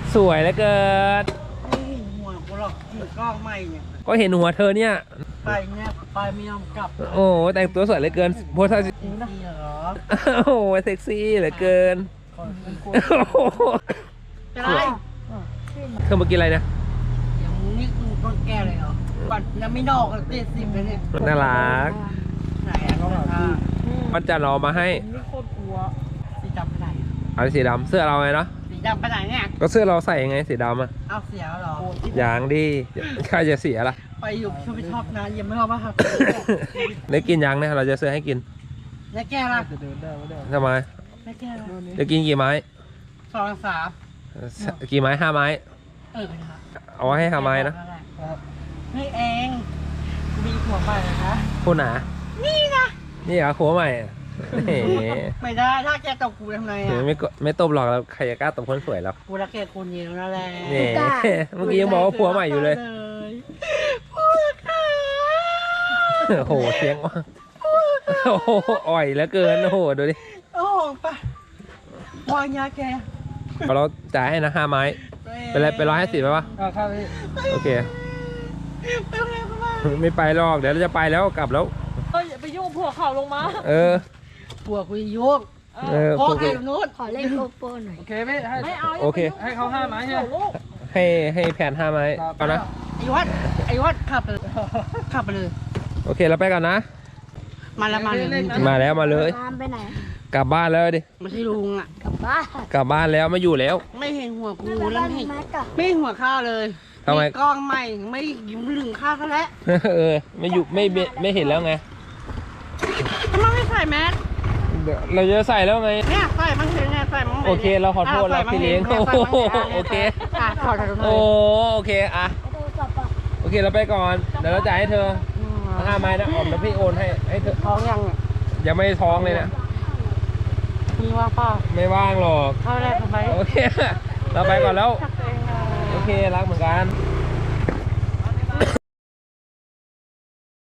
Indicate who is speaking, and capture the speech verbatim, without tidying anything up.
Speaker 1: สวยเหลือเกิน
Speaker 2: ไม่เห็นหัวกูหรอกถือกล้องไม่เนี่ย
Speaker 1: ก็เห็นหัวเธอเนี่ย
Speaker 2: ไปเนี่ยไปไม่ยอมกลับ
Speaker 1: โอ้แต่งตัวสวยเหลือเกินโพสท่าสิ
Speaker 2: เหรอ
Speaker 1: โอ้เซ็กซี่เหลือเกิน
Speaker 2: อะไร
Speaker 1: เธอมากินอะไรนะ
Speaker 2: อย่างนี้กูต้องแก้เลยเหรอปัดแล้วไม่นอกเจ็ดสิบเลยเนี่ย
Speaker 1: น่ารัก
Speaker 2: ไหนอะก็แบบ
Speaker 1: มันจะรอมาให้
Speaker 2: นี่โคตรกลัวสีดำไปไหน
Speaker 1: เอาสีดำเสื้อเราไงเนาะ
Speaker 2: สีดำไปไหนเนี่ย
Speaker 1: ก็เสื้อเราใส่ยังไงสีดำอะ
Speaker 2: เอาเสียเหรอ
Speaker 1: อย่างดีใครจะเสียล่ะ
Speaker 2: ไปอยู่ชอบไปชอบนะยังไม่ชอบมาครับ
Speaker 1: ได้กินยังเนี่ยเราจะซื้อให้กิน
Speaker 2: แล้วแก้ล่ะ
Speaker 1: ทำไม
Speaker 2: แล้วแก้ล่ะ
Speaker 1: จะกินกี่ไม้
Speaker 2: สองสาม
Speaker 1: กี่ไม้ห้าไม้
Speaker 2: เออ
Speaker 1: เอาให้ห้าไม้นะ
Speaker 2: นี่เองมีหัวใหม่นะ
Speaker 1: คุณหนา
Speaker 2: นี่นะ
Speaker 1: นี่เหรอหัวใหม่
Speaker 2: ไม่ได้ถ้าแกตบกูทำไงอ่ะ
Speaker 1: ไม่ไม่ตบหรอกแล้วใครจะกล้าตบคนสวยหรอก
Speaker 2: กูรักแกคนเดียวนั่นแหละ
Speaker 1: นี่เมื่อกี้ยังบอกว่าผัวใหม่อยู่เลย
Speaker 2: ผัวค่ะ
Speaker 1: โอ้โหเสียงว่าโอ้โหอ่อยแล้วเกินโอ้โหดูดิ
Speaker 2: โอ้ปะวางยาแก
Speaker 1: เราจ่ายให้นะห้าไม้เป็นไรเป็นร้อยห้าสิบไหมวะโอเคไม่ไปหรอกเดี๋ยวเราจะไปแล้วกลับแล้ว
Speaker 3: เอ้ยไปยุ่งผัวเขาลงมา
Speaker 1: เออ
Speaker 2: ผัวคุยยุ่ง
Speaker 1: เออ
Speaker 2: พ่อไอ้นู้น
Speaker 3: ขอเล่นโกโปรหน่อย
Speaker 2: โอเคไม่ให้
Speaker 3: ไม่เอา
Speaker 1: โอเค
Speaker 3: ให้เขาห้าไม้ใช่ไหม
Speaker 1: ให้ให้แผนห้าไม้เอานะ
Speaker 2: ไอ้วัดไอ้วัดขับไปเลยขับไปเลย
Speaker 1: โอเคเราไปก่อนนะ
Speaker 2: มาแล้วมาเลย
Speaker 1: มาแล้วมาเลย
Speaker 3: ไปไหน
Speaker 1: กลับบ้านแล้วดิ
Speaker 2: ไม่ใช่ลุงอ่ะ
Speaker 3: กลับบ้าน
Speaker 1: กลับบ้านแล้วไม่อยู่แล้ว
Speaker 2: ไม่เห็นหัวกูแล้วไม่ไม่หัวข้าเลย
Speaker 1: ทำไม
Speaker 2: กล้องใหม่ไม่ยิ้มลึงข้าเขาแล้ว
Speaker 1: เออไม่อยู่ไม่ไม่เห็นแล้วไง
Speaker 2: ทำไมไม่ใส่แมส
Speaker 1: เราจะใส่แล้วไง
Speaker 2: เนี่ยใส่บ้างเถอะไงใส่บ้าง
Speaker 1: โอเคเราขอโทษเราพี่เลี้ยงโอเค
Speaker 2: ขอโทษ
Speaker 1: โอ้โอเคอ่ะโอเคเราไปก่อนเดี๋ยวเราจ่ายให้เธอห้าไม้นะออมแล้วพี่โอนให้ให้เธอ
Speaker 2: ท้องยัง
Speaker 1: ยังไม่ท้องเลยนะ
Speaker 2: มีว่างเปล่า
Speaker 1: ไม่ว่างหรอก
Speaker 2: เข้าได้ทำไม
Speaker 1: โอเคเราไปก่อนแล้วโอเครักเหมือนกัน